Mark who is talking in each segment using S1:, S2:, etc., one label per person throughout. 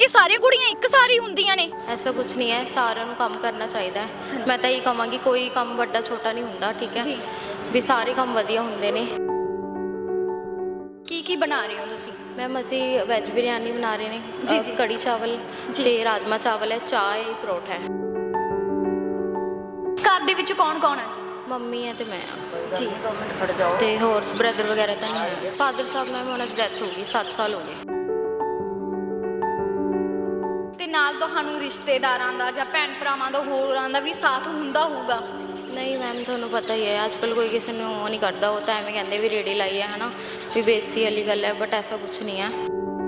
S1: कि सारी कुड़ियां एक सारी हुंदियां ने?
S2: ऐसा कुछ नहीं है, साਰਿਆਂ ਨੂੰ ਕੰਮ ਕਰਨਾ ਚਾਹੀਦਾ ਹੈ। ਮੈਂ ਤਾਂ ਇਹ ਕਹਾਂਗੀ ਕੋਈ ਕੰਮ ਵੱਡਾ ਛੋਟਾ ਨਹੀਂ ਹੁੰਦਾ, ਠੀਕ ਹੈ
S1: ਜੀ।
S2: ਵੀ ਸਾਰੇ ਕੰਮ ਵਧੀਆ ਹੁੰਦੇ ਨੇ।
S1: की बना रहे हो तुसी?
S2: मैम ਅਸੀਂ ਵੈਜ ਬਿਰਿਆਨੀ ਬਣਾ ਰਹੇ ਨੇ,
S1: ਜੀ, ਜੀ।
S2: ਕੜੀ ਚਾਵਲ ਤੇ ਰਾਜਮਾ ਚਾਵਲ ਹੈ, ਚਾਹ ਹੈ, ਪਰੌਠਾ ਹੈ।
S1: घर दे विच कौन-कौन है?
S2: ਮੰਮੀ ਹੈ ਤੇ ਮੈਂ ਆ
S1: जी।
S2: ਤੇ ਹੋਰ ਬ੍ਰਦਰ ਵਗੈਰਾ ਤਾਂ ਨਹੀਂ ਹੈ। ਫਾਦਰ ਸਾਹਿਬ ਮੈਮ ਉਹਨਾਂ ਦੀ ਡੈਥ ਹੋ ਗਈ, 7 ਸਾਲ ਹੋ ਗਏ।
S1: ਤੇ ਨਾਲ ਤੁਹਾਨੂੰ ਰਿਸ਼ਤੇਦਾਰਾਂ ਦਾ ਜਾਂ ਭੈਣ ਭਰਾਵਾਂ ਦਾ ਹੋਰਾਂ ਦਾ ਵੀ ਸਾਥ ਹੁੰਦਾ ਹੋਊਗਾ?
S2: ਨਹੀਂ ਮੈਮ ਤੁਹਾਨੂੰ ਪਤਾ ਹੀ ਹੈ, ਅੱਜ ਕੱਲ੍ਹ ਕੋਈ ਕਿਸੇ ਨੂੰ ਉਹ ਨਹੀਂ ਕਰਦਾ। ਉਹ ਤਾਂ ਐਵੇਂ ਕਹਿੰਦੇ ਵੀ ਰੇੜੀ ਲਾਈ ਹੈ ਨਾ, ਵੀ ਬੇਇੱਜ਼ਤੀ ਵਾਲੀ ਗੱਲ ਹੈ, ਬਟ ਐਸਾ ਕੁਛ ਨਹੀਂ ਹੈ।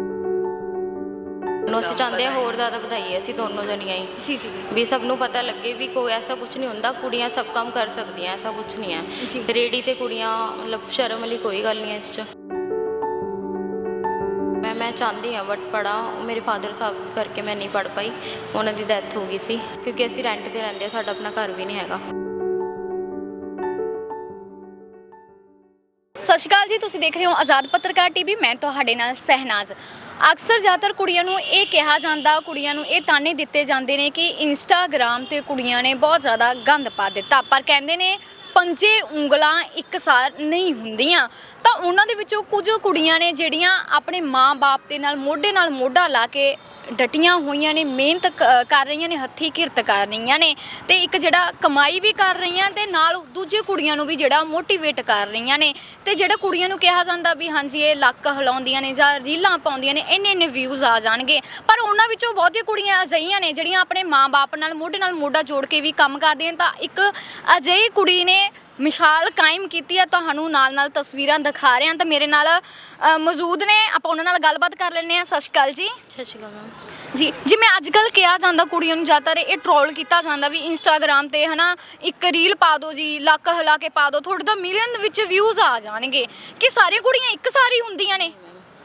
S2: ਅਸੀਂ ਚਾਹੁੰਦੇ ਹਾਂ ਹੋਰ ਜ਼ਿਆਦਾ ਵਧਾਈਏ ਅਸੀਂ ਦੋਨੋਂ ਜਣੀਆਂ ਹੀ।
S1: ਜੀ ਜੀ ਜੀ।
S2: ਵੀ ਸਭ ਨੂੰ ਪਤਾ ਲੱਗੇ ਵੀ ਕੋਈ ਐਸਾ ਕੁਛ ਨਹੀਂ ਹੁੰਦਾ, ਕੁੜੀਆਂ ਸਭ ਕੰਮ ਕਰ ਸਕਦੀਆਂ, ਐਸਾ ਕੁਛ ਨਹੀਂ
S1: ਜੀ।
S2: ਹੈ। ਰੇੜੀ ਤੇ ਕੁੜੀਆਂ ਮਤਲਬ ਸ਼ਰਮ ਵਾਲੀ ਕੋਈ ਗੱਲ ਨਹੀਂ ਹੈ ਇਸ 'ਚ। ਮੈਂ ਚਾਹੁੰਦੀ ਹਾਂ ਬਟ ਪੜ੍ਹਾ, ਮੇਰੇ ਫਾਦਰ ਸਾਹਿਬ ਕਰਕੇ ਮੈਂ ਨਹੀਂ ਪੜ੍ਹ ਪਾਈ, ਉਹਨਾਂ ਦੀ ਡੈਥ ਹੋ ਗਈ ਸੀ। ਕਿਉਂਕਿ ਅਸੀਂ ਰੈਂਟ 'ਤੇ ਰਹਿੰਦੇ ਹਾਂ, ਸਾਡਾ ਆਪਣਾ ਘਰ ਵੀ ਨਹੀਂ ਹੈਗਾ।
S1: ਸਤਿ ਸ਼੍ਰੀ ਅਕਾਲ ਜੀ, ਤੁਸੀਂ ਦੇਖ ਰਹੇ ਹੋ ਆਜ਼ਾਦ ਪੱਤਰਕਾਰ ਟੀਵੀ। ਮੈਂ ਤੁਹਾਡੇ ਨਾਲ ਸਹਿਨਾਜ਼। ਅਕਸਰ ਜ਼ਿਆਦਾਤਰ ਕੁੜੀਆਂ ਨੂੰ ਇਹ ਕਿਹਾ ਜਾਂਦਾ, ਕੁੜੀਆਂ ਨੂੰ ਇਹ ਤਾਨੇ ਦਿੱਤੇ ਜਾਂਦੇ ਨੇ ਕਿ ਇੰਸਟਾਗ੍ਰਾਮ ਤੇ ਕੁੜੀਆਂ ਨੇ ਬਹੁਤ ਜ਼ਿਆਦਾ ਗੰਦ ਪਾ ਦਿੱਤਾ। ਪਰ ਕਹਿੰਦੇ ਨੇ ਪੰਜੇ ਉਂਗਲਾਂ ਇੱਕਸਾਰ ਨਹੀਂ ਹੁੰਦੀਆਂ। ਤਾਂ ਉਹਨਾਂ ਦੇ ਵਿੱਚੋਂ ਕੁਝ ਕੁੜੀਆਂ ਨੇ ਜਿਹੜੀਆਂ ਆਪਣੇ ਮਾਂ-ਬਾਪ ਦੇ ਨਾਲ ਮੋਢਾ ਲਾ ਕੇ ਡਟੀਆਂ ਹੋਈਆਂ ਨੇ, ਮਿਹਨਤ ਕਰ ਰਹੀਆਂ ਨੇ, ਹੱਥੀਂ ਕਿਰਤ ਕਰ ਰਹੀਆਂ ਨੇ, ਤੇ ਇੱਕ ਜਿਹੜਾ ਕਮਾਈ ਵੀ ਕਰ ਰਹੀਆਂ ਤੇ ਨਾਲ ਦੂਜੇ ਕੁੜੀਆਂ ਨੂੰ ਵੀ ਜਿਹੜਾ ਮੋਟੀਵੇਟ ਕਰ ਰਹੀਆਂ ਨੇ। ਤੇ ਜਿਹੜਾ ਕੁੜੀਆਂ ਨੂੰ ਕਿਹਾ ਜਾਂਦਾ ਵੀ ਹਾਂਜੀ ਇਹ ਲੱਕ ਹਿਲਾਉਂਦੀਆਂ ਨੇ ਜਾਂ ਰੀਲਾਂ ਪਾਉਂਦੀਆਂ ਨੇ, ਇੰਨੇ ਵਿਊਜ਼ ਆ ਜਾਣਗੇ। ਪਰ ਉਹਨਾਂ ਵਿੱਚੋਂ ਬਹੁਤੀਆਂ ਕੁੜੀਆਂ ਅਜਿਹੀਆਂ ਨੇ ਜਿਹੜੀਆਂ ਆਪਣੇ ਮਾਂ-ਬਾਪ ਨਾਲ ਮੋਢਾ ਜੋੜ ਕੇ ਵੀ ਕੰਮ ਕਰਦੀਆਂ ਨੇ। ਤਾਂ ਇੱਕ ਅਜਿਹੀ ਕੁੜੀ ਨੇ ਮਿਸਾਲ ਕਾਇਮ ਕੀਤੀ ਹੈ, ਤੁਹਾਨੂੰ ਨਾਲ ਤਸਵੀਰਾਂ ਦਿਖਾ ਰਹੇ ਹਾਂ। ਤਾਂ ਮੇਰੇ ਨਾਲ ਮੌਜੂਦ ਨੇ, ਆਪਾਂ ਉਹਨਾਂ ਨਾਲ ਗੱਲਬਾਤ ਕਰ ਲੈਂਦੇ ਹਾਂ। ਸਤਿ ਸ਼੍ਰੀ ਅਕਾਲ ਜੀ।
S2: ਸਤਿ ਸ਼੍ਰੀ ਅਕਾਲ ਮੈਮ।
S1: ਜੀ, ਜਿਵੇਂ ਅੱਜ ਕੱਲ੍ਹ ਕਿਹਾ ਜਾਂਦਾ ਕੁੜੀਆਂ ਨੂੰ ਜ਼ਿਆਦਾਤਰ ਇਹ ਟਰੋਲ ਕੀਤਾ ਜਾਂਦਾ ਵੀ ਇੰਸਟਾਗ੍ਰਾਮ ਤੇ ਹਨਾ ਇੱਕ ਰੀਲ ਪਾ ਦਿਓ ਜੀ, ਲੱਕ ਹਿਲਾ ਕੇ ਪਾ ਦਿਓ, ਤੁਹਾਡੇ ਤਾਂ ਮਿਲੀਅਨ ਵਿੱਚ ਵਿਊਜ਼ ਆ ਜਾਣਗੇ। ਕਿ ਸਾਰੀਆਂ ਕੁੜੀਆਂ ਇੱਕ ਸਾਰੀ ਹੁੰਦੀਆਂ ਨੇ?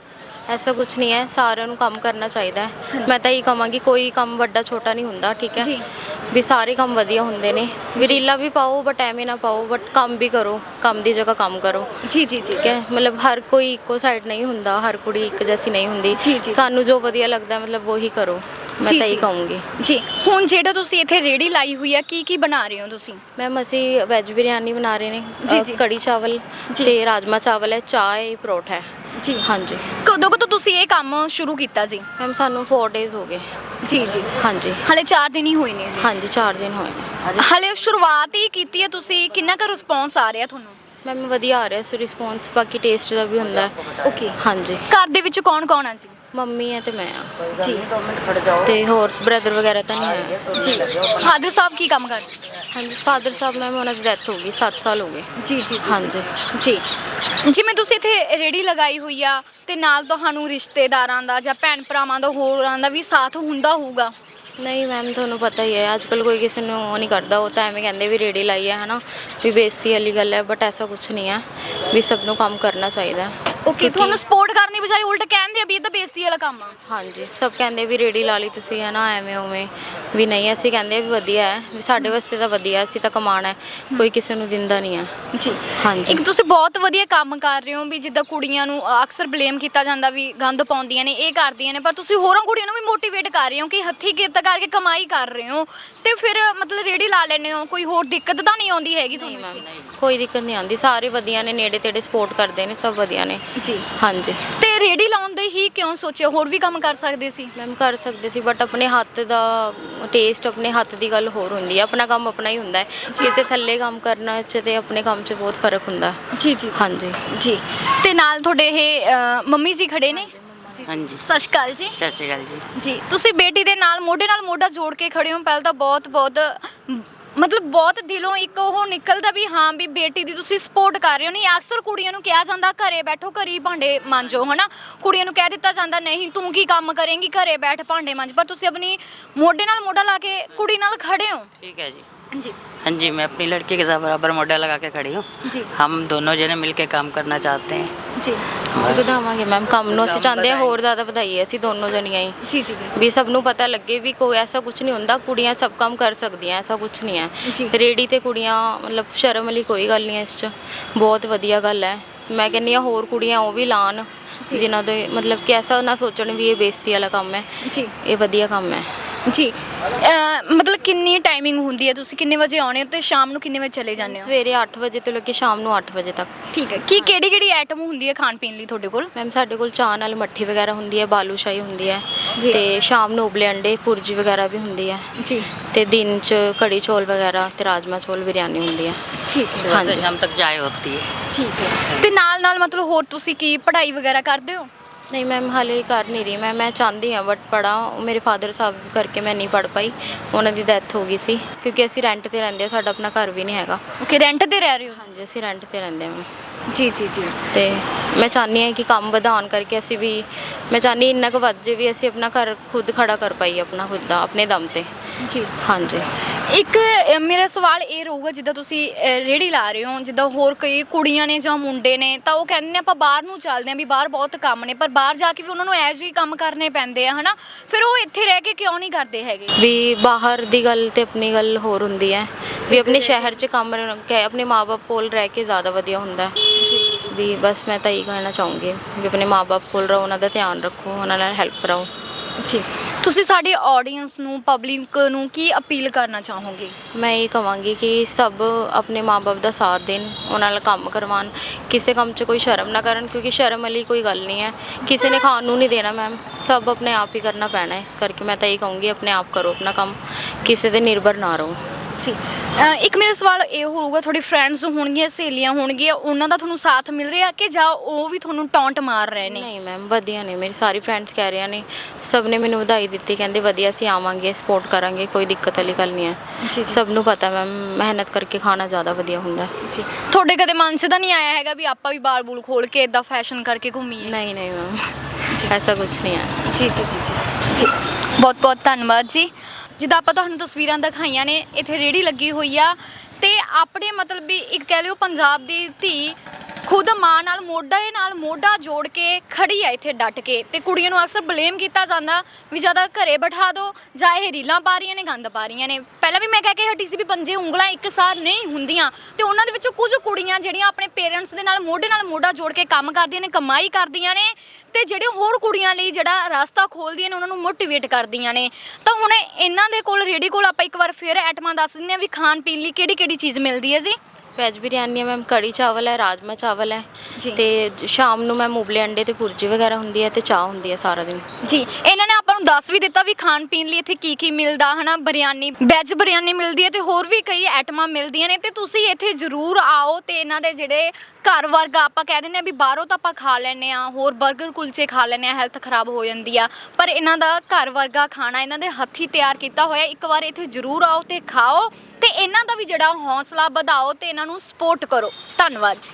S2: ਐਸਾ ਕੁਛ ਨਹੀਂ ਹੈ, ਸਾਰਿਆਂ ਨੂੰ ਕੰਮ ਕਰਨਾ ਚਾਹੀਦਾ ਹੈ। ਮੈਂ ਤਾਂ ਇਹ ਕਹਾਂਗੀ ਕੋਈ ਕੰਮ ਵੱਡਾ ਛੋਟਾ ਨਹੀਂ ਹੁੰਦਾ, ਠੀਕ ਹੈ
S1: ਜੀ।
S2: ਵੀ ਸਾਰੇ ਕੰਮ ਵਧੀਆ ਹੁੰਦੇ ਨੇ। ਵੀ ਰੀਲਾਂ ਵੀ ਪਾਓ ਬਟ ਐਵੇਂ ਨਾ ਪਾਓ, ਬਟ ਕੰਮ ਵੀ ਕਰੋ, ਕੰਮ ਦੀ ਜਗ੍ਹਾ ਕੰਮ ਕਰੋ।
S1: ਜੀ ਜੀ ਜੀ।
S2: ਠੀਕ ਹੈ, ਮਤਲਬ ਹਰ ਕੋਈ ਇੱਕੋ ਸਾਈਡ ਨਹੀਂ ਹੁੰਦਾ, ਹਰ ਕੁੜੀ ਇੱਕ ਜੈਸੀ ਨਹੀਂ ਹੁੰਦੀ।
S1: ਜੀ ਜੀ।
S2: ਸਾਨੂੰ ਜੋ ਵਧੀਆ ਲੱਗਦਾ ਮਤਲਬ ਉਹੀ ਕਰੋ, ਮੈਂ ਤਾਂ ਇਹ ਕਹੂੰਗੀ।
S1: ਜੀ, ਹੁਣ ਜਿਹੜਾ ਤੁਸੀਂ ਇੱਥੇ ਰੇੜੀ ਲਾਈ ਹੋਈ ਹੈ, ਕੀ ਬਣਾ ਰਹੇ ਹੋ ਤੁਸੀਂ?
S2: ਮੈਮ ਅਸੀਂ ਵੈਜ ਬਿਰਿਆਨੀ ਬਣਾ ਰਹੇ ਨੇ,
S1: ਜੀ।
S2: ਕੜੀ ਚਾਵਲ ਤੇ ਰਾਜਮਾ ਚਾਵਲ ਹੈ, ਚਾਹ ਹੈ, ਪਰੌਠਾ ਹੈ।
S1: ਜੀ
S2: ਹਾਂਜੀ।
S1: ਕਦੋਂ ਤੋਂ ਤੁਸੀਂ ਇਹ ਕੰਮ ਸ਼ੁਰੂ ਕੀਤਾ ਜੀ?
S2: ਮੈਮ ਸਾਨੂੰ 4 ਡੇਜ਼ ਹੋ ਗਏ।
S1: ਜੀ ਜੀ।
S2: ਹਾਂਜੀ।
S1: ਹਲੇ 4 ਦਿਨ ਹੀ ਹੋਏ ਨੇ ਜੀ?
S2: ਹਾਂਜੀ 4 ਦਿਨ ਹੋਏ ਨੇ।
S1: ਹਲੇ ਸ਼ੁਰੂਆਤ ਹੀ ਕੀਤੀ ਹੈ ਤੁਸੀਂ, ਕਿੰਨਾ ਕੁ ਰਿਸਪੌਂਸ ਆ ਰਿਹਾ ਤੁਹਾਨੂੰ?
S2: ਮੈਮ ਵਧੀਆ ਆ ਰਿਹਾ ਸੀ ਰਿਸਪੌਂਸ, ਬਾਕੀ ਟੇਸਟ ਦਾ ਵੀ ਹੁੰਦਾ।
S1: ਓਕੇ।
S2: ਹਾਂਜੀ।
S1: ਘਰ ਦੇ ਵਿੱਚ ਕੌਣ ਹੈ ਜੀ?
S2: ਮੰਮੀ ਹੈ ਤੇ ਮੈਂ ਆ
S1: ਜੀ।
S2: ਤੇ ਹੋਰ ਬ੍ਰਦਰ ਵਗੈਰਾ ਤਾਂ ਨਹੀਂ ਹੈ।
S1: ਜੀ। ਫਾਦਰ ਸਾਹਿਬ ਕੀ ਕੰਮ ਕਰਦੇ?
S2: ਹਾਂਜੀ ਫਾਦਰ ਸਾਹਿਬ ਮੈਮ ਉਹਨਾਂ ਦੀ ਡੈਥ ਹੋ ਗਈ, 7 ਸਾਲ ਹੋ ਗਏ।
S1: ਜੀ ਜੀ।
S2: ਹਾਂਜੀ।
S1: ਜੀ, ਜਿਵੇਂ ਤੁਸੀਂ ਇੱਥੇ ਰੇੜੀ ਲਗਾਈ ਹੋਈ ਆ ਤੇ ਨਾਲ ਤੁਹਾਨੂੰ ਰਿਸ਼ਤੇਦਾਰਾਂ ਦਾ ਜਾਂ ਭੈਣ ਭਰਾਵਾਂ ਦਾ ਹੋਰਾਂ ਦਾ ਵੀ ਸਾਥ ਹੁੰਦਾ ਹੋਊਗਾ?
S2: ਨਹੀਂ ਮੈਮ ਤੁਹਾਨੂੰ ਪਤਾ ਹੀ ਹੈ, ਅੱਜ ਕੱਲ੍ਹ ਕੋਈ ਕਿਸੇ ਨੂੰ ਉਹ ਨਹੀਂ ਕਰਦਾ। ਉਹ ਤਾਂ ਐਵੇਂ ਕਹਿੰਦੇ ਵੀ ਰੇੜੀ ਲਾਈ ਹੈ ਨਾ, ਵੀ ਬੇਇੱਜ਼ਤੀ ਵਾਲੀ ਗੱਲ ਹੈ, ਬਟ ਐਸਾ ਕੁਛ ਨਹੀਂ ਹੈ। ਵੀ ਸਭ ਨੂੰ ਕੰਮ ਕਰਨਾ ਚਾਹੀਦਾ।
S1: ਓਕੇ, ਤੁਹਾਨੂੰ ਸਪੋਰਟ ਕਰਨ ਦੀ ਬਜਾਏ ਉਲਟ ਕਹਿੰਦੇ ਆ ਵੀ ਇਹ ਤਾਂ ਬੇਇੱਜ਼ਤੀ ਵਾਲਾ ਕੰਮ ਆ? ਹਾਂਜੀ,
S2: ਸਭ ਕਹਿੰਦੇ ਵੀ ਰੇੜੀ ਲਾ ਲਈ ਤੁਸੀਂ ਹੈ ਨਾ, ਐਵੇਂ ਉਵੇਂ। ਵੀ ਨਹੀਂ, ਅਸੀਂ ਕਹਿੰਦੇ ਵੀ ਵਧੀਆ ਹੈ, ਵੀ ਸਾਡੇ ਵਾਸਤੇ ਤਾਂ ਵਧੀਆ, ਅਸੀਂ ਤਾਂ ਕਮਾਉਣਾ ਹੈ, ਕੋਈ ਕਿਸੇ ਨੂੰ ਦਿੰਦਾ ਨਹੀਂ ਹੈ।
S1: ਜੀ।
S2: ਹਾਂਜੀ।
S1: ਇੱਕ ਤੁਸੀਂ ਬਹੁਤ ਵਧੀਆ ਕੰਮ ਕਰ ਰਹੇ ਹੋ ਵੀ ਜਿੱਦਾਂ ਕੁੜੀਆਂ ਨੂੰ ਅਕਸਰ ਬਲੇਮ ਕੀਤਾ ਜਾਂਦਾ ਵੀ ਗੰਦ ਪਾਉਂਦੀਆਂ ਨੇ, ਇਹ ਕਰਦੀਆਂ ਨੇ, ਪਰ ਤੁਸੀਂ ਹੋਰਾਂ ਕੁੜੀਆਂ ਨੂੰ ਵੀ ਮੋਟੀਵੇਟ ਕਰ ਰਹੇ ਹੋ ਕਿ ਹੱਥੀਂ ਕਿਰਤ ਕਰਕੇ ਕਮਾਈ ਕਰ ਰਹੇ ਹੋ ਤੇ ਫਿਰ ਮਤਲਬ ਰੇੜੀ ਲਾ ਲੈਂਦੇ ਹੋ। ਕੋਈ ਹੋਰ ਦਿੱਕਤ ਤਾਂ ਨਹੀਂ ਆਉਂਦੀ ਹੈਗੀ ਤੁਹਾਨੂੰ?
S2: ਮੈਮ ਕੋਈ ਦਿੱਕਤ ਨਹੀਂ ਆਉਂਦੀ, ਸਾਰੇ ਵਧੀਆ ਨੇ, ਨੇੜੇ ਤੇੜੇ ਸਪੋਰਟ ਕਰਦੇ ਨੇ, ਸਭ ਵਧੀਆ ਨੇ।
S1: ਜੀ।
S2: ਹਾਂਜੀ।
S1: ਤੇ ਰੇੜੀ ਲਾਉਣ ਦੇ ਹੀ ਕਿਉਂ ਸੋਚਿਆ? ਹੋਰ ਵੀ ਕੰਮ ਕਰ ਸਕਦੇ ਸੀ?
S2: ਮੈਮ ਕਰ ਸਕਦੇ ਸੀ, ਬਟ ਆਪਣੇ ਹੱਥ ਦਾ ਟੇਸਟ, ਆਪਣੇ ਹੱਥ ਦੀ ਗੱਲ ਹੋਰ ਹੁੰਦੀ ਹੈ। ਆਪਣਾ ਕੰਮ ਆਪਣਾ ਹੀ ਹੁੰਦਾ ਹੈ, ਕਿਸੇ ਥੱਲੇ ਕੰਮ ਕਰਨਾ 'ਚ ਤੇ ਆਪਣੇ ਕੰਮ 'ਚ ਬਹੁਤ ਫਰਕ ਹੁੰਦਾ।
S1: ਜੀ ਜੀ।
S2: ਹਾਂਜੀ।
S1: ਜੀ। ਤੇ ਨਾਲ ਤੁਹਾਡੇ ਇਹ ਮੰਮੀ ਜੀ ਖੜੇ ਨੇ?
S3: ਹਾਂਜੀ।
S1: ਸਤਿ ਸ਼੍ਰੀ ਅਕਾਲ ਜੀ।
S3: ਸਤਿ ਸ਼੍ਰੀ ਅਕਾਲ ਜੀ।
S1: ਜੀ, ਤੁਸੀਂ ਬੇਟੀ ਦੇ ਨਾਲ ਮੋਢਾ ਜੋੜ ਕੇ ਖੜੇ ਹੋ, ਪਹਿਲਾਂ ਤਾਂ ਬਹੁਤ ਮਤਲਬ ਬਹੁਤ ਦਿਲੋਂ ਇੱਕ ਉਹ ਨਿਕਲਦਾ ਵੀ ਹਾਂ ਵੀ ਬੇਟੀ ਦੀ ਤੁਸੀਂ ਸਪੋਰਟ ਕਰ ਰਹੇ ਹੋ। ਨਹੀਂ, ਅਕਸਰ ਕੁੜੀਆਂ ਨੂੰ ਕਿਹਾ ਜਾਂਦਾ ਘਰੇ ਬੈਠੋ, ਘਰੇ ਭਾਂਡੇ ਮਾਂਜੋ, ਹਨਾ। ਕੁੜੀਆਂ ਨੂੰ ਕਹਿ ਦਿੱਤਾ ਜਾਂਦਾ ਨਹੀਂ ਤੂੰ ਕੀ ਕੰਮ ਕਰੇਂਗੀ, ਘਰੇ ਬੈਠ ਭਾਂਡੇ ਮਾਂਜ। ਪਰ ਤੁਸੀਂ ਆਪਣੀ ਮੋਢਾ ਲਾ ਕੇ ਕੁੜੀ ਨਾਲ ਖੜੇ ਹੋ।
S3: ठीक है जी।
S1: जी।
S3: हाँ जी, मैं अपनी लड़की के साथ बराबर मोढा लगा के खड़ी हूँ।
S1: जी।
S3: हम दोनों जने मिलके काम करना चाहते हैं।
S1: जी।
S2: ਅਸੀਂ ਵਧਾਵਾਂਗੇ ਮੈਮ ਕੰਮ ਨੂੰ, ਅਸੀਂ ਚਾਹੁੰਦੇ ਹਾਂ ਹੋਰ ਜ਼ਿਆਦਾ ਵਧਾਈਏ ਅਸੀਂ ਦੋਨੋਂ ਜਣੀਆਂ ਹੀ।
S1: ਜੀ ਜੀ ਜੀ।
S2: ਵੀ ਸਭ ਨੂੰ ਪਤਾ ਲੱਗੇ ਵੀ ਕੋਈ ਐਸਾ ਕੁਛ ਨਹੀਂ ਹੁੰਦਾ, ਕੁੜੀਆਂ ਸਭ ਕੰਮ ਕਰ ਸਕਦੀਆਂ, ਐਸਾ ਕੁਛ ਨਹੀਂ
S1: ਜੀ।
S2: ਹੈ। ਰੇੜੀ ਤੇ ਕੁੜੀਆਂ ਮਤਲਬ ਸ਼ਰਮ ਵਾਲੀ ਕੋਈ ਗੱਲ ਨਹੀਂ ਹੈ ਇਸ 'ਚ, ਬਹੁਤ ਵਧੀਆ ਗੱਲ ਹੈ। ਮੈਂ ਕਹਿੰਦੀ ਹਾਂ ਹੋਰ ਕੁੜੀਆਂ ਉਹ ਵੀ ਲਾਣ, ਜਿਨ੍ਹਾਂ ਦੇ ਮਤਲਬ ਕਿ ਐਸਾ ਨਾ ਸੋਚਣ ਵੀ ਇਹ ਬੇਇੱਜ਼ਤੀ ਵਾਲਾ ਕੰਮ ਹੈ,
S1: ਜੀ
S2: ਇਹ ਵਧੀਆ ਕੰਮ ਹੈ।
S1: ਜੀ ਮਤਲਬ ਕਿੰਨੀ ਟਾਈਮਿੰਗ ਹੁੰਦੀ ਹੈ, ਤੁਸੀਂ ਕਿੰਨੇ ਵਜੇ ਆਉਣੇ ਹੋ ਤੇ ਸ਼ਾਮ ਨੂੰ ਕਿੰਨੇ ਵਜੇ ਚਲੇ ਜਾਂਦੇ ਹੋ?
S2: ਸਵੇਰੇ 8 ਵਜੇ ਤੋਂ ਲੈ ਕੇ ਸ਼ਾਮ ਨੂੰ 8 ਵਜੇ ਤੱਕ।
S1: ਠੀਕ ਹੈ, ਕੀ ਕਿਹੜੀ ਕਿਹੜੀ ਆਈਟਮ ਹੁੰਦੀ ਹੈ ਖਾਣ ਪੀਣ ਲਈ ਤੁਹਾਡੇ ਕੋਲ?
S2: ਮੈਮ ਸਾਡੇ ਕੋਲ ਚਾਹ ਨਾਲ ਮੱਠੀ ਵਗੈਰਾ ਹੁੰਦੀ ਹੈ, ਬਾਲੂਸ਼ਾਹੀ ਹੁੰਦੀ ਹੈ,
S1: ਜੀ।
S2: ਤੇ ਸ਼ਾਮ ਨੂੰ ਉਬਲੇ ਅੰਡੇ ਭੁਰਜੀ ਵਗੈਰਾ ਵੀ ਹੁੰਦੀ ਹੈ,
S1: ਜੀ
S2: ਤੇ ਦਿਨ 'ਚ ਕੜੀ ਚੌਲ ਵਗੈਰਾ ਤੇ ਰਾਜਮਾ ਚੌਲ ਬਿਰਿਆਨੀ ਹੁੰਦੀ ਹੈ।
S1: ਠੀਕ ਹੈ,
S3: सुबह
S2: हाँ
S3: से
S2: जी।
S3: शाम तक चाय होती है।
S1: ਠੀਕ ਹੈ। ਤੇ ਨਾਲ ਮਤਲਬ ਹੋਰ ਤੁਸੀਂ ਕੀ ਪੜ੍ਹਾਈ ਵਗੈਰਾ ਕਰਦੇ ਹੋ?
S2: ਨਹੀਂ ਮੈਮ ਹਾਲੇ ਕਰ ਨਹੀਂ ਰਹੀ ਮੈਂ ਚਾਹੁੰਦੀ ਹਾਂ ਬਟ ਪੜ੍ਹਾਂ, ਮੇਰੇ ਫਾਦਰ ਸਾਹਿਬ ਕਰਕੇ ਮੈਂ ਨਹੀਂ ਪੜ੍ਹ ਪਾਈ, ਉਹਨਾਂ ਦੀ ਡੈਥ ਹੋ ਗਈ ਸੀ ਕਿਉਂਕਿ ਅਸੀਂ ਰੈਂਟ ਤੇ ਰਹਿੰਦੇ ਹਾਂ, ਸਾਡਾ ਆਪਣਾ ਘਰ ਵੀ ਨਹੀਂ ਹੈਗਾ।
S1: ਓਕੇ, ਰੈਂਟ ਤੇ ਰਹਿ ਰਹੇ ਹੋ?
S2: ਹਾਂਜੀ ਅਸੀਂ ਰੈਂਟ ਤੇ ਰਹਿੰਦੇ ਹਾਂ।
S1: ਜੀ ਜੀ ਜੀ
S2: ਤੇ ਮੈਂ ਚਾਹੁੰਦੀ ਹਾਂ ਕਿ ਕੰਮ ਵਧਾਉਣ ਕਰਕੇ ਅਸੀਂ ਵੀ, ਮੈਂ ਚਾਹੁੰਦੀ ਇੰਨਾ ਕੁ ਵੱਧ ਜੇ ਵੀ ਅਸੀਂ ਆਪਣਾ ਘਰ ਖੁਦ ਖੜਾ ਕਰ ਪਾਈਏ, ਆਪਣਾ ਖੁਦ ਦਾ ਆਪਣੇ ਦਮ ਤੇ।
S1: ਜੀ
S2: ਹਾਂਜੀ।
S1: ਇੱਕ ਮੇਰਾ ਸਵਾਲ ਇਹ ਰਹੂਗਾ, ਜਿੱਦਾਂ ਤੁਸੀਂ ਰੇਹੜੀ ਲਾ ਰਹੇ ਹੋ, ਜਿੱਦਾਂ ਹੋਰ ਕਈ ਕੁੜੀਆਂ ਨੇ ਜਾਂ ਮੁੰਡੇ ਨੇ ਤਾਂ ਉਹ ਕਹਿੰਦੇ ਨੇ ਆਪਾਂ ਬਾਹਰ ਨੂੰ ਚੱਲਦੇ ਹਾਂ ਵੀ ਬਾਹਰ ਬਹੁਤ ਕੰਮ ਨੇ, ਪਰ ਬਾਹਰ ਜਾ ਕੇ ਵੀ ਉਹਨਾਂ ਨੂੰ ਇਹੋ ਜਿਹੇ ਕੰਮ ਕਰਨੇ ਪੈਂਦੇ ਆ, ਹਨਾ? ਫਿਰ ਉਹ ਇੱਥੇ ਰਹਿ ਕੇ ਕਿਉਂ ਨਹੀਂ ਕਰਦੇ ਹੈਗੇ?
S2: ਵੀ ਬਾਹਰ ਦੀ ਗੱਲ ਤੇ ਆਪਣੀ ਗੱਲ ਹੋਰ ਹੁੰਦੀ ਹੈ, ਵੀ ਆਪਣੇ ਸ਼ਹਿਰ 'ਚ ਕੰਮ ਆਪਣੇ ਮਾਪੇ ਕੋਲ ਰਹਿ ਕੇ ਜ਼ਿਆਦਾ ਵਧੀਆ ਹੁੰਦਾ ਹੈ। ਵੀ ਬਸ ਮੈਂ ਤਾਂ ਇਹੀ ਕਹਿਣਾ ਚਾਹੂੰਗੀ ਵੀ ਆਪਣੇ ਮਾਪੇ ਕੋਲ ਰਹੋ, ਉਹਨਾਂ ਦਾ ਧਿਆਨ ਰੱਖੋ, ਉਹਨਾਂ ਨਾਲ ਹੈਲਪ ਕਰਾਓ।
S1: ਜੀ, ਤੁਸੀਂ ਸਾਡੇ ਆਡੀਅנס ਨੂੰ, ਪਬਲਿਕ ਨੂੰ ਕੀ ਅਪੀਲ ਕਰਨਾ ਚਾਹੋਗੇ?
S2: ਮੈਂ ਇਹ ਕਹਾਂਗੀ ਕਿ ਸਭ ਆਪਣੇ ਮਾਪੇ ਦਾ ਸਾਥ ਦੇਣ, ਉਹਨਾਂ ਨਾਲ ਕੰਮ ਕਰਵਾਉਣ, ਕਿਸੇ ਕੰਮ 'ਚ ਕੋਈ ਸ਼ਰਮ ਨਾ ਕਰਨ, ਕਿਉਂਕਿ ਸ਼ਰਮ ਵਾਲੀ ਕੋਈ ਗੱਲ ਨਹੀਂ ਹੈ, ਕਿਸੇ ਨੇ ਖਾਣ ਨੂੰ ਨਹੀਂ ਦੇਣਾ ਮੈਮ, ਸਭ ਆਪਣੇ ਆਪ ਹੀ ਕਰਨਾ ਪੈਣਾ ਹੈ। ਇਸ ਕਰਕੇ ਮੈਂ ਤਾਂ ਇਹ ਕਹੂੰਗੀ ਆਪਣੇ ਆਪ ਕਰੋ ਆਪਣਾ ਕੰਮ, ਕਿਸੇ 'ਤੇ ਨਿਰਭਰ ਨਾ ਰਹੋ।
S1: ਜੀ, ਇੱਕ ਮੇਰਾ ਸਵਾਲ ਇਹ ਹੋਊਗਾ, ਤੁਹਾਡੇ ਫਰੈਂਡਸ ਹੋਣਗੀਆਂ, ਸਹੇਲੀਆਂ ਹੋਣਗੀਆਂ, ਉਹਨਾਂ ਦਾ ਤੁਹਾਨੂੰ ਸਾਥ ਮਿਲ ਰਿਹਾ ਕਿ ਜਾਂ ਉਹ ਵੀ ਤੁਹਾਨੂੰ ਟੌਂਟ ਮਾਰ ਰਹੇ ਨੇ?
S2: ਨਹੀਂ ਮੈਮ ਵਧੀਆ ਨੇ, ਮੇਰੀ ਸਾਰੀ ਫਰੈਂਡਸ ਕਹਿ ਰਹੀਆਂ ਨੇ, ਸਭ ਨੇ ਮੈਨੂੰ ਵਧਾਈ ਦਿੱਤੀ, ਕਹਿੰਦੇ ਵਧੀਆ ਅਸੀਂ ਆਵਾਂਗੇ, ਸਪੋਰਟ ਕਰਾਂਗੇ, ਕੋਈ ਦਿੱਕਤ ਵਾਲੀ ਗੱਲ ਨਹੀਂ ਹੈ।
S1: ਜੀ
S2: ਸਭ ਨੂੰ ਪਤਾ ਮੈਮ ਮਿਹਨਤ ਕਰਕੇ ਖਾਣਾ ਜ਼ਿਆਦਾ ਵਧੀਆ ਹੁੰਦਾ।
S1: ਜੀ, ਤੁਹਾਡੇ ਕਦੇ ਮਨ 'ਚ ਤਾਂ ਨਹੀਂ ਆਇਆ ਹੈਗਾ ਵੀ ਆਪਾਂ ਵੀ ਬਾਲ ਬੂਲ ਖੋਲ ਕੇ ਇਦਾਂ ਫੈਸ਼ਨ ਕਰਕੇ ਘੁੰਮੀਏ?
S2: ਨਹੀਂ ਨਹੀਂ ਮੈਮ ਐਸਾ ਕੁਝ ਨਹੀਂ ਹੈ।
S1: ਜੀ ਜੀ ਜੀ ਜੀ ਜੀ, ਬਹੁਤ ਬਹੁਤ ਧੰਨਵਾਦ ਜੀ। ਜਿੱਦਾਂ ਆਪਾਂ ਤੁਹਾਨੂੰ ਤਸਵੀਰਾਂ ਦਿਖਾਈਆਂ ਨੇ, ਇੱਥੇ ਰੇਹੜੀ ਲੱਗੀ ਹੋਈ ਆ ਤੇ ਆਪਣੇ ਮਤਲਬ ਵੀ ਇੱਕ ਕਹਿ ਲਿਓ ਪੰਜਾਬ ਦੀ ਧੀ ਖੁਦ ਮਾਂ ਨਾਲ ਮੋਢਾ ਜੋੜ ਕੇ ਖੜੀ ਆ ਇੱਥੇ ਡਟ ਕੇ, ਤੇ ਕੁੜੀਆਂ ਨੂੰ ਅਕਸਰ ਬਲੇਮ ਕੀਤਾ ਜਾਂਦਾ ਵੀ ਜ਼ਿਆਦਾ ਘਰੇ ਬਿਠਾ ਦਿਓ ਜਾਂ ਇਹ ਰੀਲਾਂ ਪਾ ਰਹੀਆਂ ਨੇ, ਗੰਦ ਪਾ ਰਹੀਆਂ ਨੇ। ਪਹਿਲਾਂ ਵੀ ਮੈਂ ਕਹਿ ਕੇ ਹਟੀ ਸੀ ਵੀ ਪੰਜੇ ਉਂਗਲਾਂ ਇੱਕਸਾਰ ਨਹੀਂ ਹੁੰਦੀਆਂ, ਤੇ ਉਹਨਾਂ ਦੇ ਵਿੱਚੋਂ ਕੁਝ ਕੁੜੀਆਂ ਜਿਹੜੀਆਂ ਆਪਣੇ ਪੇਰੈਂਟਸ ਦੇ ਨਾਲ ਮੋਢਾ ਜੋੜ ਕੇ ਕੰਮ ਕਰਦੀਆਂ ਨੇ, ਕਮਾਈ ਕਰਦੀਆਂ ਨੇ, ਤੇ ਜਿਹੜੇ ਹੋਰ ਕੁੜੀਆਂ ਲਈ ਜਿਹੜਾ ਰਸਤਾ ਖੋਲ੍ਹਦੀਆਂ ਨੇ, ਉਹਨਾਂ ਨੂੰ ਮੋਟੀਵੇਟ ਕਰਦੀਆਂ ਨੇ। ਤਾਂ ਹੁਣ ਇਹਨਾਂ ਦੇ ਕੋਲ ਰੇਹੜੀ ਕੋਲ ਆਪਾਂ ਇੱਕ ਵਾਰ ਫਿਰ ਆਈਟਮਾਂ ਦੱਸ ਦਿੰਦੇ ਹਾਂ ਵੀ ਖਾਣ ਪੀਣ ਲਈ ਕਿਹੜੀ ਕਿਹੜੀ ਚੀਜ਼ ਮਿਲਦੀ ਹੈ ਜੀ।
S2: ਵੈਜ ਬਿਰਿਆਨੀ ਹੈ ਮੈਮ, ਕੜੀ ਚਾਵਲ ਹੈ, ਰਾਜਮਾ ਚਾਵਲ ਹੈ,
S1: ਜੀ।
S2: ਤੇ ਸ਼ਾਮ ਨੂੰ ਮੈਮ ਉਬਲੇ ਅੰਡੇ ਤੇ ਭੁਰਜੀ ਵਗੈਰਾ ਹੁੰਦੀ ਹੈ, ਤੇ ਚਾਹ ਹੁੰਦੀ ਹੈ ਸਾਰਾ ਦਿਨ।
S1: ਜੀ, ਇਹਨਾਂ ਨੇ ਆਪਾਂ ਨੂੰ ਦੱਸ ਵੀ ਦਿੱਤਾ ਵੀ ਖਾਣ ਪੀਣ ਲਈ ਇੱਥੇ ਕੀ ਕੀ ਮਿਲਦਾ, ਹਨਾ? ਬਿਰਿਆਨੀ, ਵੈਜ ਬਿਰਿਆਨੀ ਮਿਲਦੀ ਹੈ ਤੇ ਹੋਰ ਵੀ ਕਈ ਆਈਟਮਾਂ ਮਿਲਦੀਆਂ ਨੇ, ਤੇ ਤੁਸੀਂ ਇੱਥੇ ਜ਼ਰੂਰ ਆਓ। ਤੇ ਇਹਨਾਂ ਦੇ ਜਿਹੜੇ ਘਰ ਵਰਗਾ ਆਪਾਂ ਕਹਿ ਦਿੰਦੇ ਆ ਵੀ ਬਾਹਰੋਂ ਤਾਂ ਆਪਾਂ ਖਾ ਲੈਂਦੇ ਆ, ਹੋਰ 버ਗਰ ਕੁਲਚੇ ਖਾ ਲੈਂਦੇ ਆ, ਹੈਲਥ ਖਰਾਬ ਹੋ ਜਾਂਦੀ ਆ, ਪਰ ਇਹਨਾਂ ਦਾ ਘਰ ਵਰਗਾ ਖਾਣਾ ਇਹਨਾਂ ਦੇ ਹੱਥੀਂ ਤਿਆਰ ਕੀਤਾ ਹੋਇਆ। ਇੱਕ ਵਾਰ ਇੱਥੇ ਜ਼ਰੂਰ ਆਓ ਤੇ ਖਾਓ, ਤੇ ਇਹਨਾਂ ਦਾ ਵੀ ਜਿਹੜਾ ਹੌਸਲਾ ਵਧਾਓ ਤੇ ਇਹਨਾਂ ਨੂੰ ਸਪੋਰਟ ਕਰੋ। ਧੰਨਵਾਦ ਜੀ।